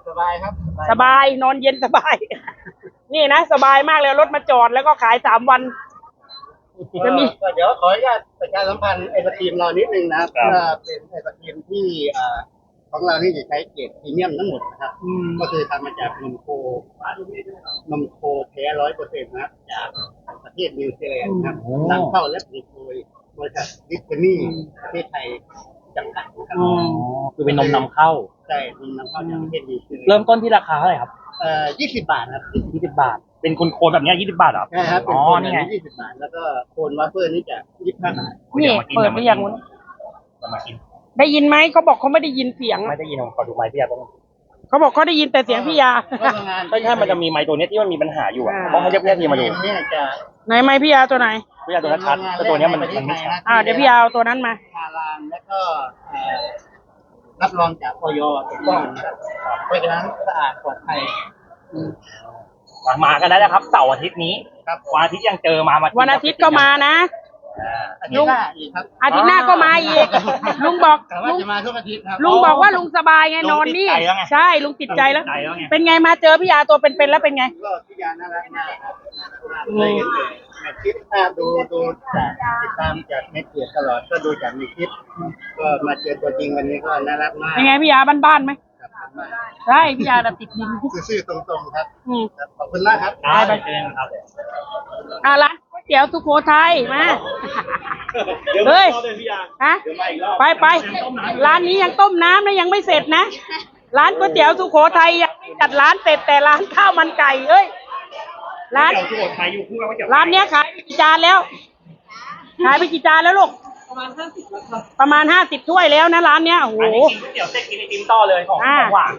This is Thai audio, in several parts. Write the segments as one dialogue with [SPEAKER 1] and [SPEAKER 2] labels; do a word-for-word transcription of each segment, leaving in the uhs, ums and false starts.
[SPEAKER 1] สบายครับ
[SPEAKER 2] สบายนอนเย็นสบาย นี่นะสบายมากเลยรถมาจอดแล้วก็ขายสามวันจะมี
[SPEAKER 1] เดี๋ยวขออนุญาตประชาสัมพันธ์ไอศครีมเรานิดนึงนะครับว่าเป็นไอศครีมที่ของเราที่จะใช้เกรดพรีเมียมทั้งหมดนะครับก็คือทำมาจากนมโคนมโคแท้ร้อยเปอร์เซ็นต์นะครับจากประเทศนิวซีแลนด์ครับนำเข้าและผลิตโดยบริษัทดิสนีย์ประเทศไทยจำกัดครับ
[SPEAKER 3] คือเป็นนมนำเข้า
[SPEAKER 1] ใช่นมนำเข้าจากประเทศนิวซีแลนด์
[SPEAKER 3] เริ่มต้นที่ราคาเท่าไหร่ครับ
[SPEAKER 1] เอ่อยี่สิบบาทครับ
[SPEAKER 3] ยี่สิบบาทเป็นคนโคนแบบนี้ยี่สิบบาทเหรอ
[SPEAKER 1] ใช่ครับเป็นโคนแบบยี่สิบบาทแล้วก็โคนวาเฟอร์นี่จะยี่สิบห้าบาท
[SPEAKER 2] นี่เปิดไปอย่างนู้น
[SPEAKER 3] มากิน
[SPEAKER 2] ได้ยินไหมเขาบอกเขาไม่ได้ยินเสียง
[SPEAKER 3] ไม่ได้ยินผมขอดูไมค์พี่ยาต้อง
[SPEAKER 2] เขาบอกเขาได้ยินแต่เสียงพี่ยา
[SPEAKER 3] ใช่ใช่มันจะมีไมค์ตัวนี้ที่มันมีปัญหาอยู่อ่ะต้องให้เรียกพี่ยาทีมาดู
[SPEAKER 2] ไหนไมค์พี่ยาตัวไหน
[SPEAKER 3] พี่ยาตัวชัดแต่ตัวนี้มันมันไม่ชัด
[SPEAKER 2] อ่าเดี๋ยวพี่ยาเอาตัวนั้นมา
[SPEAKER 1] ฮาลาลแล้วก็รับรองจากอย.ถูกต้องเพราะฉะนั้นสะอาดปลอดภัย
[SPEAKER 3] มากันได้นะครับเสาร์อาทิตย์นี้วันอาทิตย์ยังเจอมา
[SPEAKER 2] วันอาทิตย์ก็มานะ
[SPEAKER 1] ลุง
[SPEAKER 2] อาทิตย์หน้าก็มาอีกลุงบอก
[SPEAKER 1] ลุงจะมาทุกอาทิตย์ครับ
[SPEAKER 2] ลุงบอกว่าลุงสบายไงนอนนี่ใช่ลุงติดใจแล้วเป็นไงมาเจอพี่ยาตัวเป็นๆแล้วเป็นไง
[SPEAKER 1] ก็พี่ยาน่ารักมากครับเลยในคลิปถ้าดูดูจากติดตามจากในเพจตลอดก็ดูจากในคลิปก็มาเจอตัวจริงวันนี้ก็น่ารักมาก
[SPEAKER 2] เป็นไงพี่ยาบ้านๆไหมใช่พี่ยาติดดิน
[SPEAKER 1] ซื่อๆตรงๆครับขอบคุณมากครับ
[SPEAKER 3] ได้ไปเจอกันครับ
[SPEAKER 2] อ่ะร้านก๋วยเตี๋ยวสุโขทัยมาเฮ้ยฮะไปไปร้านนี้ยังต้มน้ำนะยังไม่เสร็จนะร้านก๋วยเตี๋ยวสุโขทัยยังจัดร้านเสร็จแต่ร้านข้าวมันไก่เอ้ยร้านร้านเนี้ยขายไปกี่จานแล้วขายไปกี่จานแล้วลูกประมาณห้าสิบประมาณห้าสิบถ้วยแล้วนะร้านเนี้ยโอ้โห
[SPEAKER 3] ก๋วยเตี๋ยวเส้นกินไอติมต่อเลยของหวาน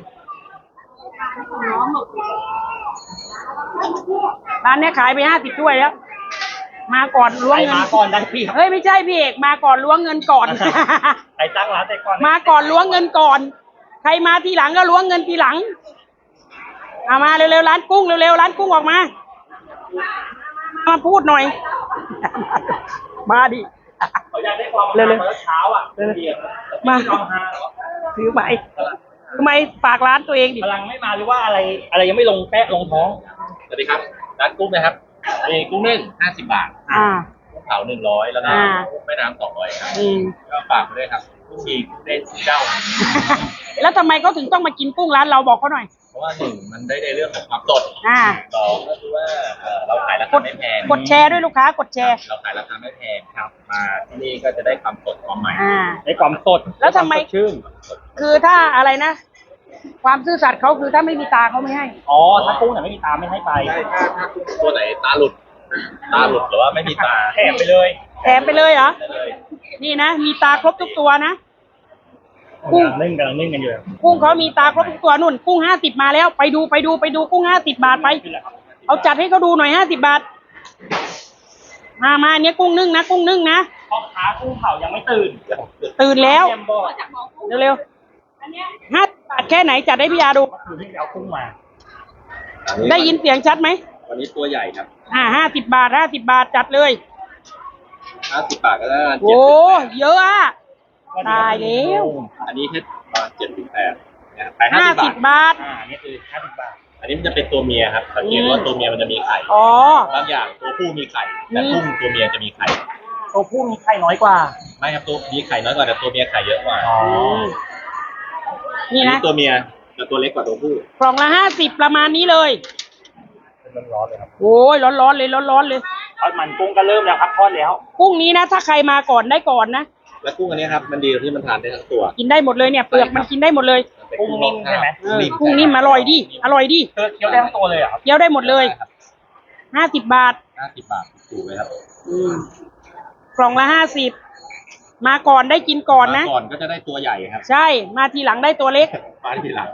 [SPEAKER 2] ร้านเนี้ยขายไปห้าสิบถ้วยแล้วมาก่อนล้วงเงิน
[SPEAKER 3] มาก่อนได้พี่
[SPEAKER 2] เฮ้ยไม่ใช่พี่เอกมาก่อนล้วงเงินก่อน
[SPEAKER 3] ใครตั้งร้านแต่ก่อน
[SPEAKER 2] มาก่อนล้วงเงินก่อนใครมาทีหลังก็ล้วงเงินทีหลังเอามาเร็วๆร้านกุ้งเร็วๆร้านกุ้งออกมามาพูดหน่อยมาดิ
[SPEAKER 3] เขาอยากได้ความเร็วๆเช้าอ่ะ
[SPEAKER 2] มาถือไปทำไมฝากร้านตัวเองดิ
[SPEAKER 3] พลังไม่มาหรือว่าอะไรอะไรยังไม่ลงแปะลงท้องสวัสดีครับร้านกุ้งนะครับมีกุ้งนึ่งห้าสิบบาท
[SPEAKER 2] อ่า
[SPEAKER 3] กุ้งเผาหนึ่งร้อยแล้วก็แม่น้ำสองร้อยครับก็ฝากด้วยครับกุ้งชีกุ้งเต้นเจ้า
[SPEAKER 2] แล้วทำไมเขาถึงต้องมากินกุ้งร้านเราบอกเขาหน่อย
[SPEAKER 3] เพราะว่าหนึ่งมันได้ในเรื่องของความสดสองก็คือว่าเราขายราคาไม่แพง
[SPEAKER 2] กดแชร์ด้วยลูกค้ากดแชร์
[SPEAKER 3] เราขายราคาไม่แพงครับมาที่นี่ก็จะได้ความสดความใหม่ได้ความสด
[SPEAKER 2] แล้วทำไมชื่นคือถ้าอะไรนะความซื่อสัตย์เขาคือถ้าไม่มีตาเขาไม่ให้
[SPEAKER 3] อ๋อถ้ากุ้งเนี่ยไม่มีตาไม่ให้ไปถ้าถ้าตัวไหนตาหลุดตาหลุดหรือว่าไม่มีตาแถมไปเลย
[SPEAKER 2] แถมไปเลยเหรอนี่นะมีตาครบทุกตัวนะ
[SPEAKER 3] กุ้งนึ่งกำลังนึ่งกันอยู่
[SPEAKER 2] กุ้งเขามีตาครบทุกตัวนุ่นกุ้งห้าสิบมาแล้วไปดูไปดูไปดูกุ้งห้าสิบบาทไปเอาจัดให้เขาดูหน่อยห้าสิบบาทมามาเนี้ยกุ้งนึ่งนะกุ้งนึ่งนะ
[SPEAKER 3] พ่อค้ากุ้งเผายังไม่ตื่น
[SPEAKER 2] ตื่นแล้วเร็วๆห้าบาทแค่ไหนจัดให้พี่ยาดู
[SPEAKER 3] เอากุ้งมา
[SPEAKER 2] ได้ยินเสียงชัดไหม
[SPEAKER 3] วันนี้ตัวใหญ่ครับ
[SPEAKER 2] อ่าห้าสิบบาทห้าสิบบาทจัดเลย
[SPEAKER 3] ห้าสิบบาทก็ได้
[SPEAKER 2] โอ้เยอะอ่ะตายแล้ว
[SPEAKER 3] อันนี้แค่ประมาณเจ็ดถึงแปด
[SPEAKER 2] ไปห้าสิบบาท
[SPEAKER 3] อ่านี่คือห้าสิบบาทอันนี้มันจะเป็นตัวเมียครับสังเกตว่าตัวเมียมันจะมีไข่
[SPEAKER 2] อ๋
[SPEAKER 3] อบางอย่างตัวผู้มีไข่แต่กุ้งตัวเมียจะมีไข่
[SPEAKER 2] ตัวผู้มีไข่น้อยกว่า
[SPEAKER 3] ไม่ครับตัวมีไข่น้อยกว่าแต่ตัวเมียไข่เยอะกว่า
[SPEAKER 2] อ๋อนี่นะ
[SPEAKER 3] ตัวเมียแต่ตัวเล็กกว่าตัวผู้
[SPEAKER 2] กล่องละห้าสิบประมาณนี้เลย
[SPEAKER 3] ร้อนๆเลยครับ
[SPEAKER 2] โอ้ยร้อนๆเลยร้อนๆเลย
[SPEAKER 3] ทอดมันกุ้งก็เริ่มแล้วครับทอดแล้ว
[SPEAKER 2] กุ้งนี้นะถ้าใครมาก่อนได้ก่อนนะ
[SPEAKER 3] แล้วกุ้งอันนี้ครับมันดีที่มันทานได้ทั้งตัว
[SPEAKER 2] กินได้หมดเลยเนี่ยเปลือกมันกินได้หมดเลย
[SPEAKER 3] กุ้งนิ่มใช่ไหม
[SPEAKER 2] กุ้งนิ่มอร่อยดิอร่อยดิ
[SPEAKER 3] เคี้ยวได้ทั้งตัวเลยเหรอ
[SPEAKER 2] เคี้ยวได้หมดเลยห้าสิบบาท
[SPEAKER 3] ห้าสิบบาทถูกเลยครับ
[SPEAKER 2] กล่องละห้าสิบมาก่อนได้กินก่อนนะ
[SPEAKER 3] ก่อนก็จะได้ตัวใหญ่ครับ
[SPEAKER 2] ใช่มาทีหลังได้ตัวเล็ก
[SPEAKER 3] มาทีหลัง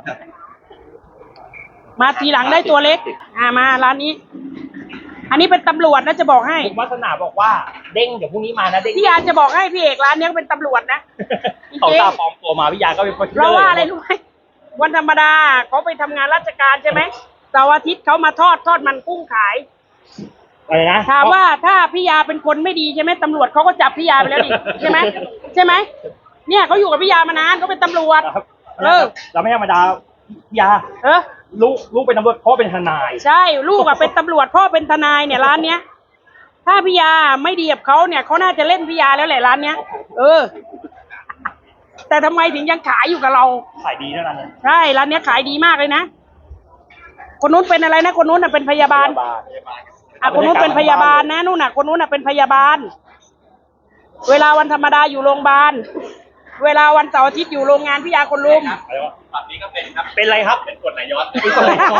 [SPEAKER 2] มาทีหลังได้ตัวเล็กอ่ามาร้านนี้อันนี้เป็นตำรวจนะจะบอกให้
[SPEAKER 3] คุณวัฒนาบอกว่าเด้งเดี๋ยวพรุ่งนี้มานะเด้ง
[SPEAKER 2] พี่ยาจะบอกให้พี่เอกร้านนี้เป็นตำรวจนะ
[SPEAKER 3] เขาตาปลอมตัวมาพี่ยาก็เป็นคน
[SPEAKER 2] เพราะว่าอะไรรู้ไหมวันธรรมดาเขาไปทำงานราชการใช่ไหมเสาร์อาทิตย์เขามาทอดทอดมันกุ้งขาย
[SPEAKER 3] อะไรนะ
[SPEAKER 2] ถามว่าถ้าพี่ยาเป็นคนไม่ดีใช่ไหมตำรวจเขาก็จับพี่ยาไปแล้วดิใช่ไหมใช่ไหมเนี่ยเขาอยู่กับพี่ยามานานเขาเป็นตำรวจ
[SPEAKER 3] เออเราไม่ธรรมดายา
[SPEAKER 2] เออ
[SPEAKER 3] ลูกลูกเป็นตำรวจพ่อเป็นทนาย
[SPEAKER 2] ใช่ลูกอะเป็นตำรวจพ่อเป็นทนายเนี่ยร้านเนี้ย ถ้าพี่ยาไม่ดีกับเขาเนี่ยเขาน่าจะเล่นพี่ยาแล้วแหละร้านเนี้ย เออ แต่ทำไมถึงยังขายอยู่กับเรา
[SPEAKER 3] ขายดีนะร้านเนี้ย
[SPEAKER 2] ใช่ร้านเนี้ยขายดีมากเลยนะคนนู้นเป็นอะไรนะคนนู้นน่ะเป็นพยาบาลอ่ะคนนู้นเป็นพยาบาลนะนู่นน่ะคนนู้นน่ะเป็นพยาบาล เวลาวันธรรมดาอยู่โรงพยาบาลเวลาวันเสาร์อาทิตย์อยู่โรงงานพี่ยาคนลุม
[SPEAKER 3] อะไรวะฝั่งนี้ก็เป็นครับ เป็นอะไรครับ เป็นกรดไหลย้อนเป็นกรดไหลย้อน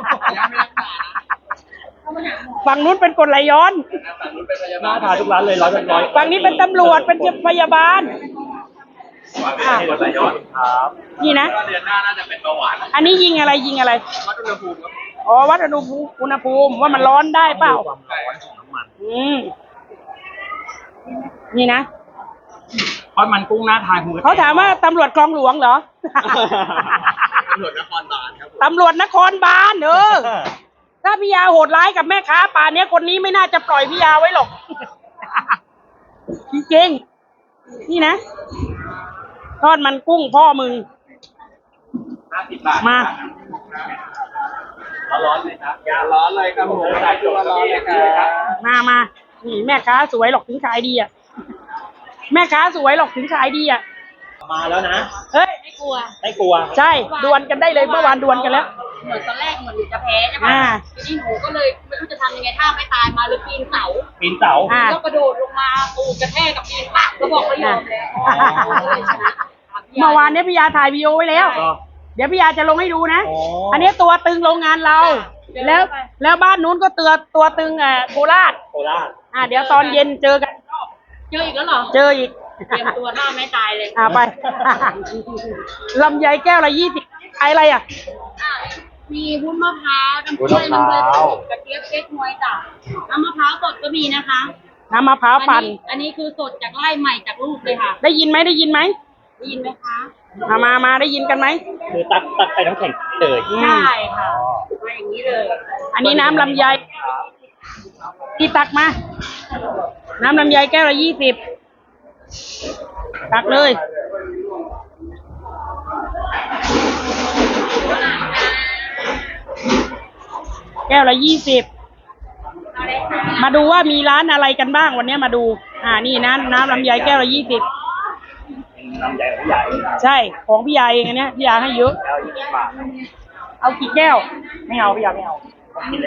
[SPEAKER 2] ฝั่งนู้นเป็นกฎไหลย้อน
[SPEAKER 3] ฝั่งนู้นเป็นพยาบาลหน้าทาทุกร้านเลยร้อยเป็นร้อย
[SPEAKER 2] ฝั่งนี้เป็นตำรวจเป็นพยาบาล
[SPEAKER 3] อ่ะกรดไหลย้อนครับ
[SPEAKER 2] นี่นะ
[SPEAKER 3] เดือนหน้าน่าจะเป็นเบาหวาน
[SPEAKER 2] อันนี้ยิงอะไรยิงอะไร
[SPEAKER 3] วัดอุณหภูมิครับ
[SPEAKER 2] อ๋อวัดอุณหภูมิอุณหภูมิว่ามันร้อนได้เปล่า
[SPEAKER 3] ความร้อนของน้ำมัน
[SPEAKER 2] อืมนี่นะ
[SPEAKER 3] ทอดมันกุ้งหน้าทานคุณ
[SPEAKER 2] เขาถามว่าตำรวจคลองหลวงเหรอ
[SPEAKER 3] ตำรวจนครบาลครับ
[SPEAKER 2] ตำรวจนครบาลเออ ถ้าพี่ยาโหดร้ายกับแม่ค้าป่านเนี้ยคนนี้ไม่น่าจะปล่อยพี่ยาไว้หรอก จริงๆนี่นะทอดมันกุ้งพ่อมึง
[SPEAKER 3] ห้าสิบบาท
[SPEAKER 2] มา
[SPEAKER 3] ร้อนเลยครับอย่าร้อนเลยครับผมใส่ตัวร้อนเลยครับ
[SPEAKER 2] มามานี่แม่ค้าสวยหรอกถึงขายดีอ่ะ แม่ค้าสวยหรอกถึงขายดีอ่ะ
[SPEAKER 3] มาแล้วนะ
[SPEAKER 2] เฮ้ย
[SPEAKER 4] ไม่กลัว
[SPEAKER 3] ไม่กลัว
[SPEAKER 2] ใช่ดวลกันได้เลยเมื่อวานดวลกันแล้ว
[SPEAKER 4] เหมือนตอนแรกเหมือนหนูจะแพ้ใช่ไหม
[SPEAKER 2] อ่า
[SPEAKER 4] ทีนี้หนูก็เลยไม่รู้จะทำยังไงถ้าไม่ตายมาเลยปีนเสา
[SPEAKER 3] ปีนเสา
[SPEAKER 2] อ่า
[SPEAKER 4] ก็กระโดดลงมาตูดกระแทกกับปีนปักก็บอกไม่ยอมแล้ว
[SPEAKER 2] อ่า
[SPEAKER 4] ก็เลยชนะ
[SPEAKER 2] เมื่อวานเนี้ยพี่ยาถ่ายวีดีโอไว้แล้ว เดี๋ยวพี่ยาจะลงให้ดูนะ
[SPEAKER 3] อ๋ออั
[SPEAKER 2] อันนี้ตัวตึงโรงงานเรา แล้วแล้วบ้านนู้นก็เตือตัวตึงอ่ะโคราช
[SPEAKER 3] โคราช
[SPEAKER 2] อ่าเดี๋ยวตอนเย็นเจอกัน
[SPEAKER 4] เจออีกแล้วเหรอ
[SPEAKER 2] เจออีก
[SPEAKER 4] เตรียมตัวถ้าไม่ตายเลย
[SPEAKER 2] อ่าไป ลำไยแก้วละยี่สิบขายอะไรอ่ะ
[SPEAKER 4] อ่ะมีวุ้นมะพร้าวน้ำกล้วยน้ำเกลือกระเจี๊ยบเก๊กฮวยจ้ะน้ำมะพร้าวสดก็มีนะคะ
[SPEAKER 2] น้ำมะพร้าวปั่น
[SPEAKER 4] อันนี้คือสดจากไร่ใหม่จากลูกเลยค่ะ
[SPEAKER 2] ได้ยินไหมได้ยินไหม
[SPEAKER 4] ได้ยินไหมคะ
[SPEAKER 2] มามามาได้ยินกันไหม
[SPEAKER 3] คือตักตักใส่น้ำแข็งเลย
[SPEAKER 2] อืม
[SPEAKER 4] ใช่ค่ะมาอย่างนี้เลย
[SPEAKER 2] อันนี้น้ำลำไยที่ตักมา น้ำลำไยแก้วละยี่สิบตักเลย แก้วละยี่สิบ มาดูว่ามีร้านอะไรกันบ้างวันนี้มาดู อ่านี่นะน้ำลำไยแก้วละยี่สิบ
[SPEAKER 3] น้ำใหญ่ของใหญ่
[SPEAKER 2] ใช่ของพี่ยาเองอันเนี้ยพี่ยาให้เยอะ
[SPEAKER 3] แล้วยี่สิบบาท
[SPEAKER 2] เอากี่แก้ว
[SPEAKER 3] ไม่เอาพี่ยาไม่เอาผมกินแล้ว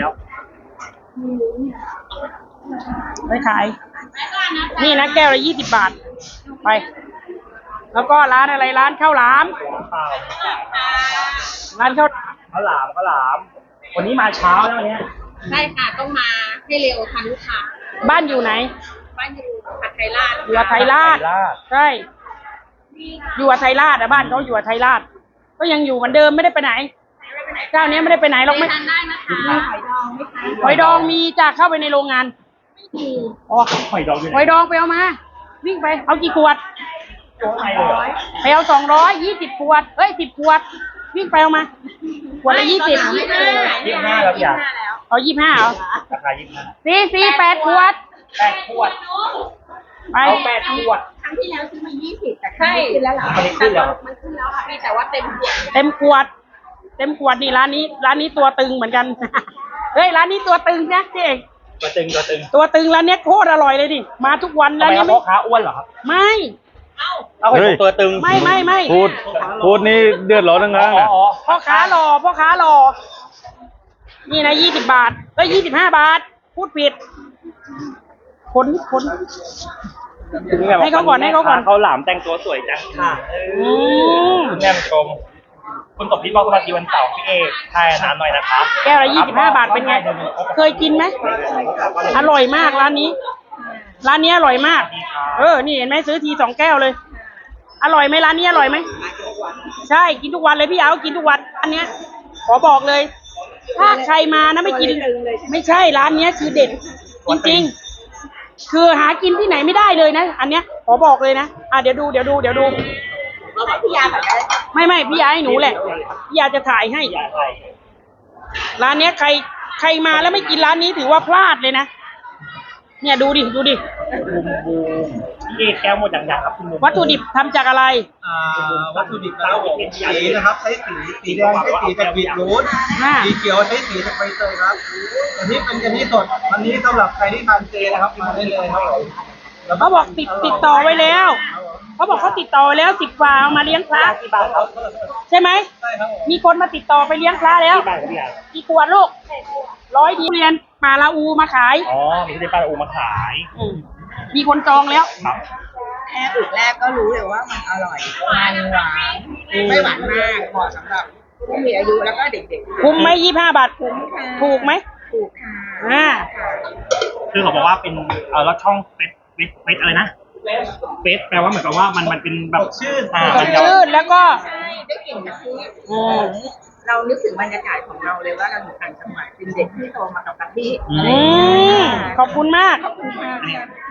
[SPEAKER 2] ไม่ขาย นี่นะแก้วละยี่สิบบาท ไป แล้วก็ร้านอะไรร้านข้าวหลาม
[SPEAKER 3] ข้าว
[SPEAKER 2] ร้านข้าว
[SPEAKER 3] ข้าวหลามข้าวหลาม วันนี้มาเช้าแล้ววันเนี้ย
[SPEAKER 4] ใช่ค่ะต้องมาให้เร็วทันลูกค้า
[SPEAKER 2] บ้านอยู่ไหน
[SPEAKER 4] บ้านอยู่ผัดไทยราช
[SPEAKER 2] อยู่อัไทยราช ใช่ อยู่อัไทยราชอะบ้านเขาอยู่อัไทยราช ก็ยังอยู่เหมือนเดิมไม่ได้ไปไหน เจ้าเนี้ยไม่ได้ไปไหนหรอกไม่
[SPEAKER 4] ทานได้นะคะหอยดองไหมคะ
[SPEAKER 2] หอยดองมีจะเข้าไปในโรงงาน
[SPEAKER 4] มี
[SPEAKER 2] อ๋อ
[SPEAKER 3] หอยดองอยู่ไห
[SPEAKER 2] ห
[SPEAKER 3] น
[SPEAKER 2] อยดองไปเอามา วิ่งไป เอากี่ขวด
[SPEAKER 3] ตัวไทยเลยเหรอ
[SPEAKER 2] ไปเอาสองร้อยยี่สิบขวด เอ้ยสิบขวด วิ่งไปเอามา ขวดละยี่สิบ
[SPEAKER 4] ยี่สิบห้า
[SPEAKER 3] ยี่สิบห้าแล้วพี่ยา
[SPEAKER 4] แล้ว
[SPEAKER 2] เอายี่สิบห้าเหรอ
[SPEAKER 3] ราคายี่สิบห้า
[SPEAKER 2] สี่สี่แปดขวด
[SPEAKER 3] แปดขวด
[SPEAKER 2] ไป
[SPEAKER 3] เอาแปดขวด
[SPEAKER 4] ครั้งที่แล้วซื้อมายี่สิบแต่ครั้งนี้ขึ้นแล้วเหรอ
[SPEAKER 3] ครั้งนี้ขึ้นแล้ว
[SPEAKER 4] มันขึ้นแล้วค่ะพี่แต่ว่าเต็มขวด
[SPEAKER 2] เต็มขวด เต็มขวดนี่ร้านนี้ ร้านนี้ตัวตึงเหมือนกัน เฮ้ยร้านนี้ตัวตึงนะเจ๊เอก
[SPEAKER 3] ตัวตึงตัวตึง
[SPEAKER 2] ตัวตึงร้านเนี้ยโคตรอร่อยเลยดิมาทุกวัน
[SPEAKER 3] ทำ
[SPEAKER 2] ร้าน
[SPEAKER 3] ไมค
[SPEAKER 2] เนี้
[SPEAKER 3] รับ
[SPEAKER 2] ย
[SPEAKER 3] พ่อค้าอ้วนเหรอครับ
[SPEAKER 2] ไม่
[SPEAKER 3] เอาไปตัวตึง
[SPEAKER 2] ไม่ไม่ไม่
[SPEAKER 5] พูดพูดนี่เดือดร้อนทั้งนั้น
[SPEAKER 3] อ๋อ
[SPEAKER 5] นะ
[SPEAKER 3] อ๋อ
[SPEAKER 2] พ่อค้ารอพ่อค้ารอ นี่นะยี่สิบบาทก็ยี่สิบห้าบาท พูดผิดขนขน ให้เขาก่อนให้เขาก่อน
[SPEAKER 3] เขาหลามแต่งตัวสวยจังค่ะ
[SPEAKER 2] อืม
[SPEAKER 3] คุณแม่ชม คุณตบพี่บอกสวัสดีวันเสาร์พี่เอกทายน้ำหน่อยนะครับ
[SPEAKER 2] แก้วละยี่สิบห้าบาทเป็นไง เคยกินไหมอร่อยมากร้านนี้ ร้านนี้อร่อยมาก เออ นี่เห็นไหมซื้อทีสองแก้วเลย อร่อยไหมร้านนี้อร่อยไหม ใช่กินทุกวันเลยพี่เอากินทุกวันอันเนี้ย ขอบอกเลย ถ้าใครมานะไม่กิน ไม่ใช่ร้านเนี้ยคือเด็ด จริงๆ คือหากินที่ไหนไม่ได้เลยนะ อันเนี้ย ขอบอกเลยนะ อ่ะเดี๋ยวดูเดี๋ยวดูเดี๋ยวดู
[SPEAKER 4] พี่ยาแบบ
[SPEAKER 2] ไม่ไม่พี่ยาให้หนูแหละพี่ยาจะถ่ายให้ ร้านเนี้ยใครใครมาแล้วไม่กินร้านนี้ถือว่าพลาดเลยนะ เนี่ยดูดิดูดิ
[SPEAKER 3] ที่แก้วหมดอย่างๆครับคุณลุง
[SPEAKER 2] วัตถุดิบทำจากอะไร
[SPEAKER 6] อ่าวัตถุดิบนะครับสีนะครับใช้สีสีแดงใช้สีจากบีทรูท
[SPEAKER 2] อ่า
[SPEAKER 6] สีเขียวใช้สีจากใบเตยครับอันนี้เป็นกะทิสดอันนี้สำหรับใครที่ทานเจนะครับมาได้เลยครับผมแล้ว
[SPEAKER 2] เขาบอกติดติดต่อไว้แล้วเขาบอกเขาติดต่อไว้แล้วสิบกว่าเอามาเลี้ยงพระใช่ไหม
[SPEAKER 6] ใช่ครับผม
[SPEAKER 2] มีคนมาติดต่อไปเลี้ยงพระแล้ว
[SPEAKER 3] บ้านครับพี่ยา
[SPEAKER 2] กี่ขวดลูกร้อยดีเรียนมาลาอูมาขาย
[SPEAKER 3] อ๋อมีที่ป้าอูมาขาย
[SPEAKER 2] อืมมีคนจองแล้ว
[SPEAKER 3] ครับ
[SPEAKER 7] แค่อึกแรกก็รู้เลยว่ามันอร่อย มันหวาน ไม่หวานมากเหมาะสำหรับผู้มีอายุแล้วก็เด็กๆ
[SPEAKER 2] คุ้มไหมยี่ห้าบาท
[SPEAKER 7] คุ้มค่ะ
[SPEAKER 2] ถูกไหม
[SPEAKER 7] ถูกค่ะ
[SPEAKER 2] อ่า
[SPEAKER 3] คือเขาบอกว่าเป็นเออแล้วช่องเฟสเฟสเฟสอะไรนะเฟสแปลว่าเหมือนกับว่ามันมันเป็นแบบชื่ออ่า
[SPEAKER 2] สดชื่นแล้วก็
[SPEAKER 7] ใช่ได้กลิ่นกะทิ
[SPEAKER 2] อืม
[SPEAKER 7] เรานึกถึงบรรยากาศของเราเลยว่าเราอยู่ต่างจังหวัดเป็นเด็กที่โตมากับกะทิ
[SPEAKER 2] อืมขอบคุณมาก
[SPEAKER 7] ขอบคุณค่ะ